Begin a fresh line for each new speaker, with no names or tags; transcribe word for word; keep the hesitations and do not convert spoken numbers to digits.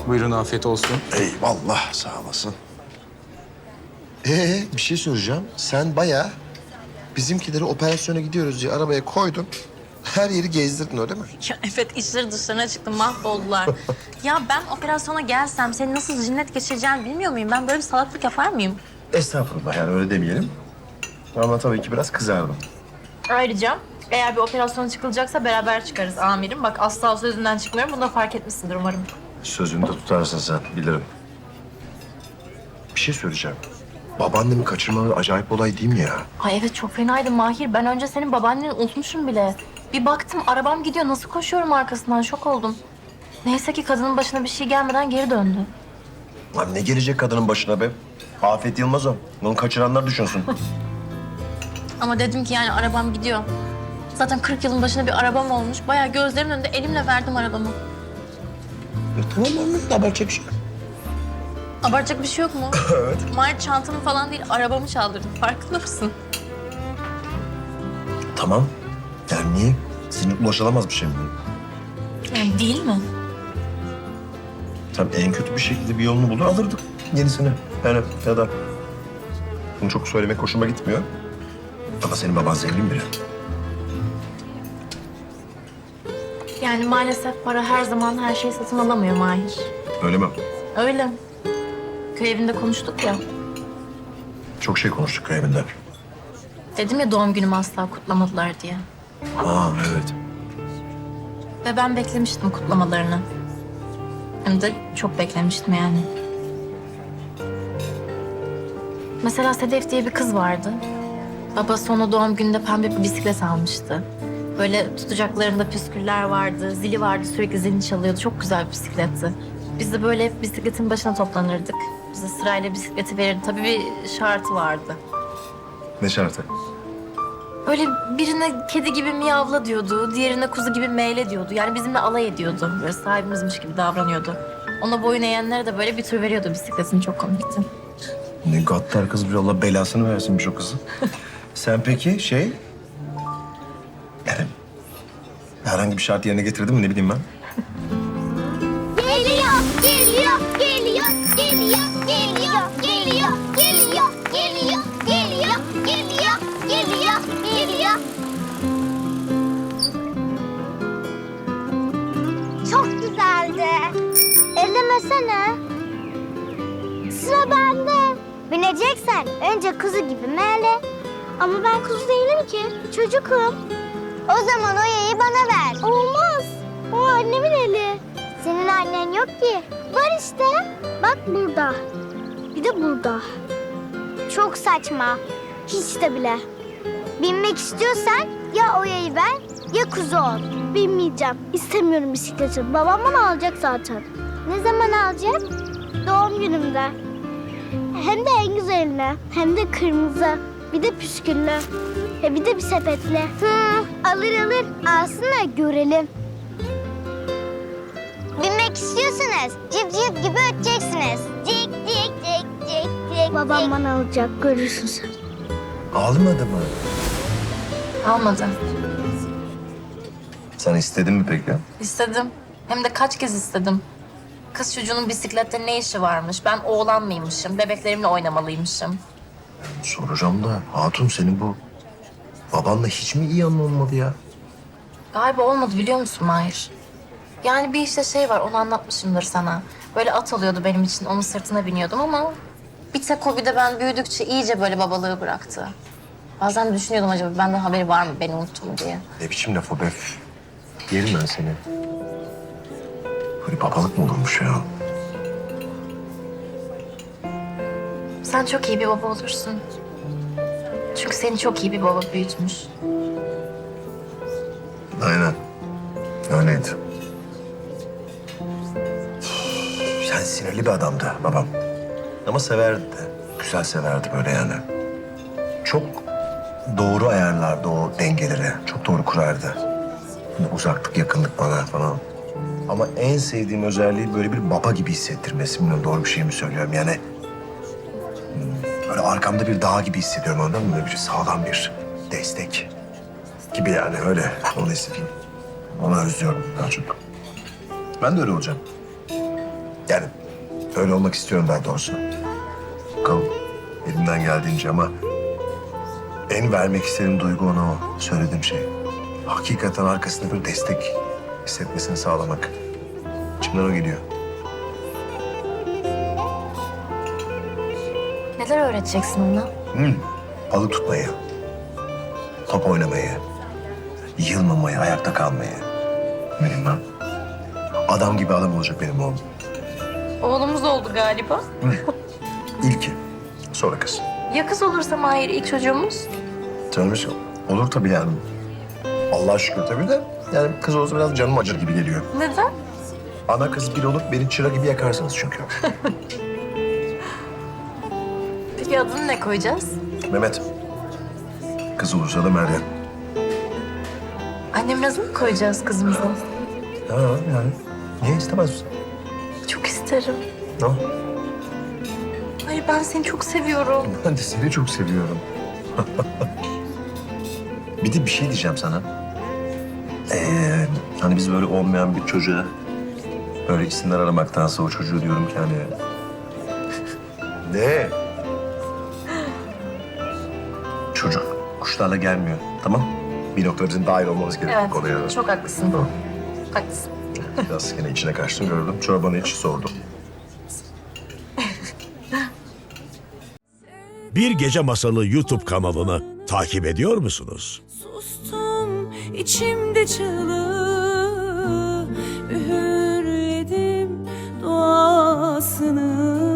Buyurun, afiyet olsun.
Eyvallah, sağ olasın. Ee, bir şey soracağım. Sen bayağı bizimkileri operasyona gidiyoruz diye arabaya koydun. Her yeri gezdirdin öyle mi?
Ya evet, işleri dışlarına çıktı, mahvoldular. Ya ben operasyona gelsem senin nasıl cinnet geçireceğini bilmiyor muyum? Ben böyle bir salaklık yapar mıyım?
Estağfurullah, yani öyle demeyelim. Ama tabii ki biraz kızardım.
Ayrıca eğer bir operasyona çıkılacaksa beraber çıkarız amirim. Bak asla sözünden çıkmıyorum. Bunu da fark etmişsindir umarım.
Sözünü de tutarsın sen, bilirim. Bir şey söyleyeceğim. Babaannemi kaçırmaları acayip olay değil mi ya?
Ay evet, çok fenaydı Mahir. Ben önce senin babaanneni unutmuşum bile. Bir baktım arabam gidiyor. Nasıl koşuyorum arkasından, şok oldum. Neyse ki kadının başına bir şey gelmeden geri döndü.
Lan ne gelecek kadının başına be? Afet Yılmaz o. Bunu kaçıranlar düşünsün.
Ama dedim ki yani arabam gidiyor. Zaten kırk yılın başında bir arabam olmuş. Bayağı gözlerimin önünde elimle verdim arabamı.
E, tamam anladım, abartacak bir şey yok.
Abartacak bir şey yok mu?
Evet.
Mahir çantamı falan değil, arabamı çaldırdım. Farkında mısın?
Tamam. Yani niye? Senin ulaşılamaz bir şey mi?
Yani değil mi?
Tabii en kötü bir şekilde bir yolunu bulur alırdık yenisini. Yani ya da bunu çok söylemek hoşuma gitmiyor. Ama senin baban zengin biri.
Yani maalesef para her zaman her şeyi satın alamıyor Mahir.
Öyle mi?
Öyle. Köy evinde konuştuk ya.
Çok şey konuştuk köy evinde.
Dedim ya doğum günümü asla kutlamadılar diye.
Aa evet.
Ve ben beklemiştim kutlamalarını. Hem de çok beklemiştim yani. Mesela Sedef diye bir kız vardı. Babası ona doğum gününde pembe bir bisiklet almıştı. Böyle tutacaklarında püsküller vardı, zili vardı, sürekli zilini çalıyordu. Çok güzel bir bisikletti. Biz de böyle hep bisikletin başına toplanırdık. Bize sırayla bisikleti verirdi. Tabii bir şartı vardı.
Ne şartı?
Böyle birine kedi gibi miyavla diyordu, diğerine kuzu gibi meyle diyordu. Yani bizimle alay ediyordu. Böyle sahibimizmiş gibi davranıyordu. Ona boyun eğenlere de böyle bir tür veriyordu bisikletin. Çok komikti.
Ne gaddar kız bir, Allah belasını versinmiş o kızı. Sen peki şey... Yani herhangi bir şart yerine getirdin mi ne bileyim ben?
Geliyor, geliyor, geliyor, geliyor, geliyor, geliyor, geliyor, geliyor, geliyor, geliyor, geliyor, geliyor. Çok güzeldi. Ellemesene. Sıra bende. Bineceksen önce kuzu gibi meğle. Ama ben kuzu değilim ki. Çocukum. O zaman o yayı bana ver. Olmaz. O annemin eli. Senin annen yok ki. Var işte. Bak burada. Bir de burada. Çok saçma. Hiç de bile. Binmek istiyorsan ya o yayı ver ya kuzu ol. Binmeyeceğim. İstemiyorum bisikleti. Babam bana alacak zaten. Ne zaman alacak? Doğum günümde. Hem de en güzeline. Hem de kırmızı. Bir de püsküllü. Ve bir de bir sepetli. Hı, alır alır. Alsın da görelim. Binmek istiyorsanız cip cip gibi öteceksiniz. Cik cik cik cik cik. Babam bana alacak, görürsün sen.
Almadı mı?
Almadı.
Sen istedin mi peki?
İstedim. Hem de kaç kez istedim. Kız çocuğunun bisiklette ne işi varmış? Ben oğlan mıymışım? Bebeklerimle oynamalıymışım.
Soracağım da hatun senin bu babanla hiç mi iyi anlaşılmadı ya?
Galiba olmadı, biliyor musun Mahir? Yani bir işte şey var, onu anlatmışımdır sana. Böyle at alıyordu benim için, onun sırtına biniyordum ama... Bir tek o, bir de ben büyüdükçe iyice böyle babalığı bıraktı. Bazen düşünüyordum, acaba benden haberi var mı beni unuttu mu diye.
Ne biçim laf o be? Yerim ben seni. Böyle babalık mı olurmuş ya?
Sen çok iyi bir baba olursun. Çünkü seni çok iyi bir baba büyütmüş.
Aynen. Öyleydi. Yani sinirli bir adamdı babam. Ama severdi de. Güzel severdi böyle yani. Çok doğru ayarlardı o dengeleri. Çok doğru kurardı. Hani uzaklık, yakınlık bana falan. Ama en sevdiğim özelliği böyle bir baba gibi hissettirmesi. Bilmiyorum doğru bir şey mi söylüyorum yani. hmm, Böyle arkamda bir dağ gibi hissediyorum, anladın mı? Böyle bir sağlam bir destek gibi yani öyle. Onu hissediyorum. Onu özlüyorum daha çok. Ben de öyle olacağım. Yani öyle olmak istiyorum daha doğrusu. Bakalım elimden geldiğince ama en vermek istediğim duygu ona o söylediğim şey. Hakikaten arkasında bir destek hissetmesini sağlamak. İçimden o geliyor.
Neler öğreteceksin ona?
Hmm. Balık tutmayı, top oynamayı, yılmamayı, ayakta kalmayı. Benim ben. Adam gibi adam olacak benim oğlum.
Oğlumuz oldu galiba.
İlki, sonra kız.
Ya kız olursa Mahir ilk çocuğumuz?
Canımız olur tabii yani. Allah'a şükür tabii de yani kız olursa biraz canım acır gibi geliyor.
Neden?
Ana kız bir olup beni çıra gibi yakarsınız çünkü.
Peki adını ne koyacağız?
Mehmet. Kız olursa da Meryem.
Annemin adını mı koyacağız kızımıza?
Ha yani. Niye istemez misin?
Çok isterim.
No.
Hayır ben seni çok seviyorum.
Ben de seni çok seviyorum. Bir de bir şey diyeceğim sana. Ee, hani biz böyle olmayan bir çocuğa böyle isimler aramaktansa o çocuğu diyorum ki hani... Ne? Çocuk kuşlarla gelmiyor, tamam? Bir noktada bizim dahil olmamız gerekiyor
Evet,
konuya.
çok haklısın.
Tamam.
Haklısın.
Biraz yine içine kaçtım gördüm. Çorbanı iç sordum.
Bir Gece Masalı YouTube kanalını takip ediyor musunuz?
Sustum içimde çığlığı, üğürledim duasını.